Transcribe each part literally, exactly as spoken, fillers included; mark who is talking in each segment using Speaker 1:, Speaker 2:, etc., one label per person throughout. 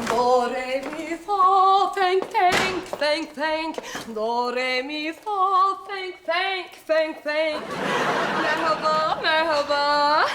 Speaker 1: Do, re, mi, fa, feng, feng, feng, feng. Do, re, mi, fa, feng, feng, feng, feng. Merhaba, merhaba.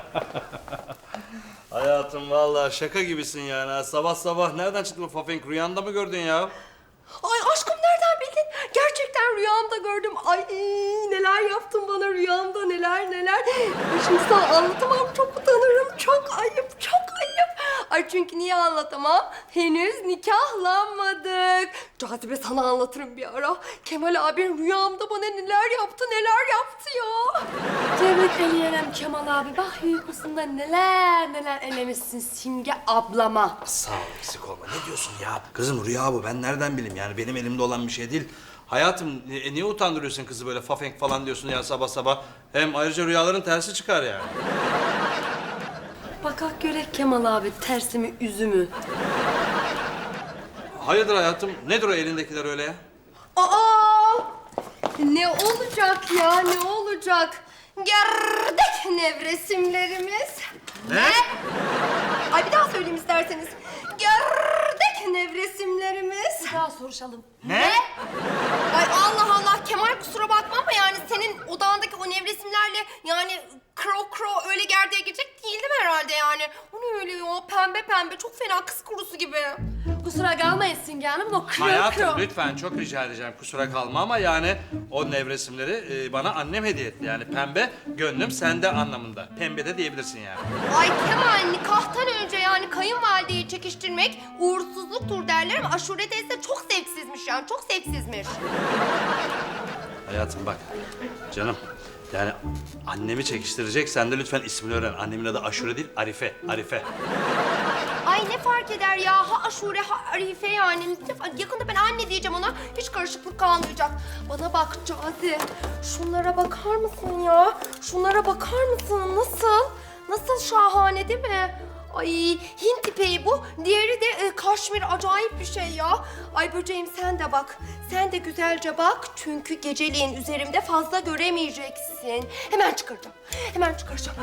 Speaker 2: Hayatım vallahi şaka gibisin yani. ha. Sabah sabah nereden çıktı bu fafenk? Rüyanda mı gördün ya?
Speaker 1: Ay aşkım nereden bildin? Gerçekten rüyamda gördüm. Ay neler yaptın bana rüyamda neler neler. Ay, şimdi sana anlatamam, çok utanırım. Çok ayıp, çok ayıp. Ay çünkü niye anlatamam? Henüz nikahlanmadık. Cazibe sana anlatırım bir ara. Kemal abin rüyamda bana neler yaptı, neler yaptı ya. Tebrik ederim Kemal abi. Bak uykusunda neler neler elemişsin Simge ablama.
Speaker 2: Sağ ol, eksik olma. Ne diyorsun ya? Kızım rüya bu. Ben nereden bileyim yani? Benim elimde olan bir şey değil. Hayatım e, niye utandırıyorsun kızı böyle fafenk falan diyorsun ya sabah sabah? Hem ayrıca rüyaların tersi çıkar yani.
Speaker 1: Bakak görek Kemal abi tersimi üzümü.
Speaker 2: Hayırdır hayatım? Nedir o elindekiler öyle ya?
Speaker 1: Aa! Ne olacak ya, ne olacak? Gerdek nevresimlerimiz.
Speaker 2: Ne?
Speaker 1: Ay bir daha söyleyeyim isterseniz. Gerdek nevresimlerimiz.
Speaker 3: Bir daha soruşalım.
Speaker 2: Ne?
Speaker 1: Ay Allah Allah Kemal kusura bakma ama yani senin odağındaki o nevresimlerle yani kro kro öyle gerdeğe girecek değildim herhalde yani. O ne öyle ya pembe pembe çok fena kız kurusu gibi.
Speaker 3: Kusura kalmayın Simge Hanım. O kro
Speaker 2: Hayatım
Speaker 3: kro.
Speaker 2: lütfen çok rica edeceğim kusura kalma ama yani o nevresimleri e, bana annem hediye etti. Yani pembe gönlüm sende anlamında. Pembe de diyebilirsin yani.
Speaker 1: Ay Kemal nikahtan önce yani kayınvalideyi çekiştirmek uğursuzluktur derler ama Aşure teyze de çok zevksizmiş yani çok zevksizmiş.
Speaker 2: Hayatım bak canım yani annemi çekiştirecek sen de lütfen ismini öğren. Annemin adı Aşure değil Arife. Arife.
Speaker 1: Ay ne fark eder ya ha Aşure ha Arife yani. Yakında ben anne diyeceğim ona hiç karışıklık kalmayacak. Bana bak Cazi şunlara bakar mısın ya? Şunlara bakar mısın nasıl? Nasıl şahane değil mi? Ay Hint ipeği bu. Diğeri de e, kaşmir acayip bir şey ya. Ay böceğim sen de bak. Sen de güzelce bak. Çünkü geceliğin üzerimde fazla göremeyeceksin. Hemen çıkaracağım. Hemen çıkaracağım.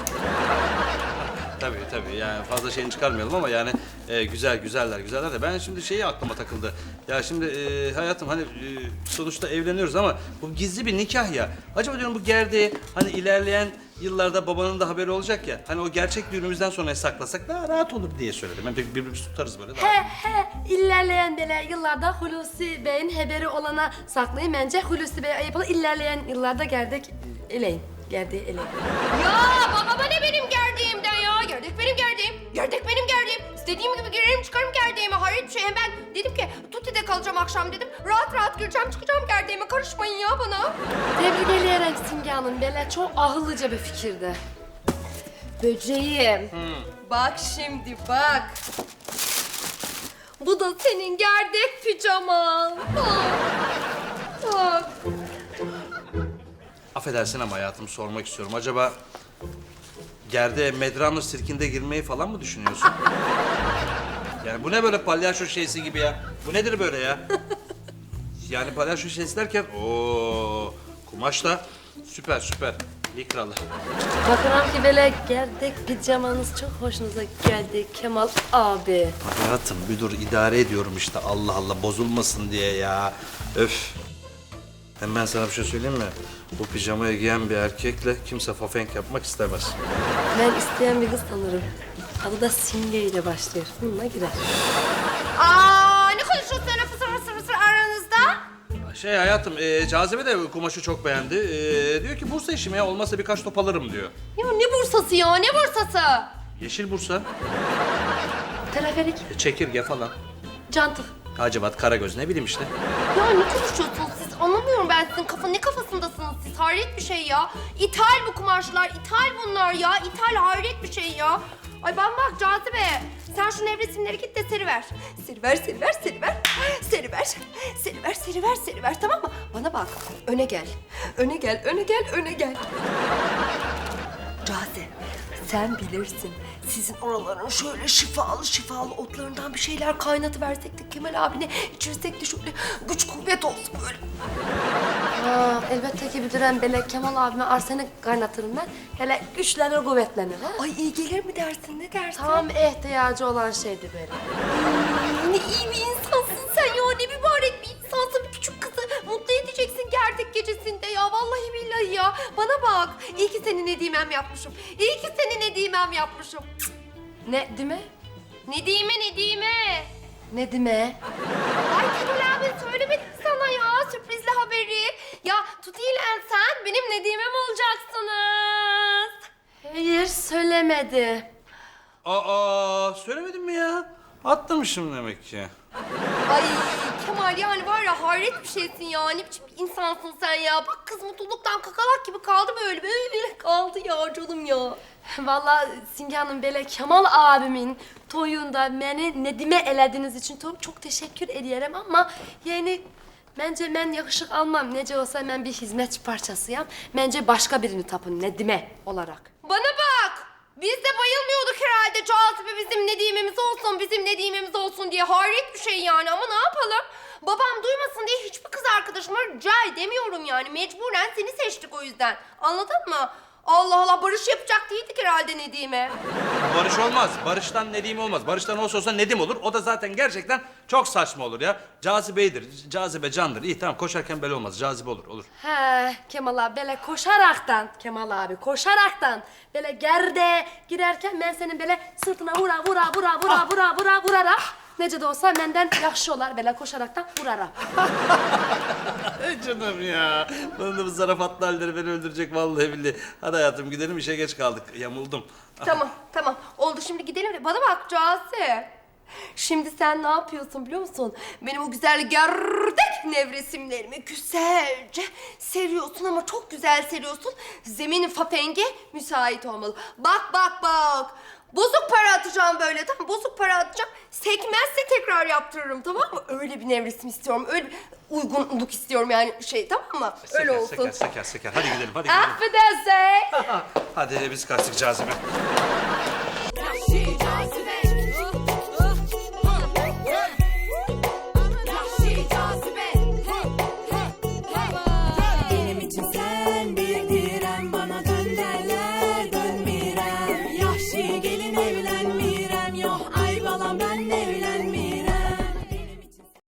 Speaker 2: Tabii tabii yani fazla şeyini çıkarmayalım ama yani e, güzel güzeller güzeller de ben şimdi şeyi aklıma takıldı. Ya şimdi e, hayatım hani e, sonuçta evleniyoruz ama bu gizli bir nikah ya. Acaba diyorum bu gerdeği hani ilerleyen yıllarda babanın da haberi olacak ya. Hani o gerçek düğünümüzden sonra saklasak daha rahat olur diye söyledim. Hem de birbirimizi tutarız böyle daha.
Speaker 3: He he. İlerleyen deler yıllarda Hulusi Bey'in haberi olana saklayın. Bence Hulusi Bey'e ayıp olur. İlerleyen yıllarda gerdek eleyin. Gerdeği eleyin.
Speaker 1: Ya baba ne benim gerdiğimden ya? Gerdek benim gerdiğim. Gerdek benim gerdiğim. İstediğim gibi girerim çıkarım gerdeğime. Hayret bir şey. Hem ben dedim ki Tuti'de kalacağım akşam dedim. Rahat rahat gireceğim çıkacağım gerdeğime. Karışmayın ya bana.
Speaker 3: Tebrik ederim Simge Hanım. Böyle çok ahıllıca bir fikirdi. Böceğim.
Speaker 1: Bak şimdi bak. Bu da senin gerdek pijaman. Bak. Bak.
Speaker 2: Affedersin ama hayatım sormak istiyorum. Acaba gerdeğe Medrano sirkinde girmeyi falan mı düşünüyorsun? Yani bu ne böyle palyaço şeysi gibi ya? Bu nedir böyle ya? Yani palyaço şeysi derken ooo kumaş da süper süper. Likralı.
Speaker 3: Bakıram ki böyle gerdek pijamanız çok hoşunuza geldi Kemal abi.
Speaker 2: Hayatım bir dur idare ediyorum işte Allah Allah bozulmasın diye ya. Öf. Hem ben sana bir şey söyleyeyim mi? Bu pijamayı giyen bir erkekle kimse fafenk yapmak istemez.
Speaker 3: Ben isteyen bir kız tanırım. Adı da Simge ile başlıyor. Bununla girer.
Speaker 1: Aa ne konuşuyorsun öyle fısır fısır fısır aranızda?
Speaker 2: Şey hayatım, e, Cazibe de kumaşı çok beğendi. E, diyor ki Bursa işim ya, olmazsa birkaç top alırım diyor.
Speaker 1: Ya ne bursası ya ne bursası?
Speaker 2: Yeşil Bursa,
Speaker 3: Teleferik,
Speaker 2: e, çekirge falan.
Speaker 3: cantık.
Speaker 2: Hacivat, Karagöz ne bileyim işte.
Speaker 1: Ya ne konuşuyorsunuz siz? Anlamıyorum ben sizin kafa ne kafasındasınız siz? Hayret bir şey ya. İthal bu kumaşlar, ithal bunlar ya. İthal hayret bir şey ya. Ay ben bak Cazibe, sen şu nevresimleri git de seriver. Seriver, seriver, seriver. Seriver, seriver, seriver, seriver tamam mı? Bana bak, öne gel. Öne gel, öne gel, öne gel. Cazibe, sen bilirsin. Sizin oraların şöyle şifalı şifalı otlarından bir şeyler kaynatıversek de Kemal abine içirsek de şöyle güç kuvvet olsun böyle.
Speaker 3: Ha, elbette ki bilirim. Böyle Kemal abime arsenik kaynatırım ben. Hele güçlenir, kuvvetlenir. Ha?
Speaker 1: Ay iyi gelir mi dersin, ne dersin?
Speaker 3: Tam ihtiyacı olan şeydi böyle.
Speaker 1: Ne iyi bir insansın sen ya, ne mübarek bir insansın. Bir küçük kızı mutlu edeceksin gerdek gecesinde ya. Vallahi billahi ya. Bana bak, iyi ki seni Nedimem yapmışım. İyi ki seni Nedimem yapmışım.
Speaker 3: Ne dime?
Speaker 1: Nedime, Nedime.
Speaker 3: Ne dime?
Speaker 1: Ay Kemal abi söylemedim sana ya sürprizli haberi. Ya Tuti'yle sen benim Nedimem olacaksınız.
Speaker 3: Hayır, söylemedi.
Speaker 2: Aa, söylemedim mi ya? Atlamışım demek ki.
Speaker 1: Ay Kemal yani var ya hayret bir şeysin ya. Ne biçim bir insansın sen ya. Bak kız mutluluktan kakalak gibi kaldı böyle. Böyle kaldı ya canım ya.
Speaker 3: Vallahi Simge Hanım böyle Kemal abimin toyunda beni Nedim'e elediğiniz için çok, çok teşekkür ediyorum ama yani bence ben yakışık almam. Nece olsa ben bir hizmetçi parçasıyım. Bence başka birini tapın Nedim'e olarak.
Speaker 1: Bana bak. Biz de bayılmıyorduk herhalde Cazibe bizim Nedimemiz olsun, bizim Nedimemiz olsun diye. Hayret bir şey yani ama ne yapalım? Babam duymasın diye hiçbir kız arkadaşıma rica edemiyorum yani. Mecburen seni seçtik o yüzden. Anladın mı? Allah Allah barış yapacak değildik herhalde Nedim'e.
Speaker 2: Barış olmaz. Barış'tan Nedim olmaz. Barış'tan olsa olsa Nedim olur. O da zaten gerçekten çok saçma olur ya. Cazibeydir. Cazibe candır. İyi tamam koşarken böyle olmaz. Cazibe olur. Olur.
Speaker 3: He Kemal abi böyle koşaraktan Kemal abi koşaraktan böyle gerde girerken ben senin böyle sırtına vura vura vura vura vura vura vurarak nece de olsa benden yaxşı olar böyle koşaraktan vurarak.
Speaker 2: Ey canım ya. Bunun da bu zarafatlı halleri beni öldürecek vallahi billahi. Hadi hayatım gidelim işe geç kaldık. Yamuldum.
Speaker 1: Tamam tamam oldu şimdi gidelim de bana bak Cazi. Şimdi sen ne yapıyorsun biliyor musun? Benim o güzel gerdek nevresimlerimi güzelce seriyorsun ama çok güzel seriyorsun. Zeminin fapenge müsait olmalı. Bak bak bak. Bozuk para atacağım böyle tamam bozuk para atacağım. Sekmezse tekrar yaptırırım tamam mı? Öyle bir nevresim istiyorum. Öyle bir uygunluk istiyorum yani şey tamam mı? Öyle
Speaker 2: Seker,
Speaker 1: olsun.
Speaker 2: Seker seker seker. Hadi gidelim hadi gidelim.
Speaker 3: Affedersin.
Speaker 2: Hadi biz kaçtık Cazibe.
Speaker 4: Vahşi cazibe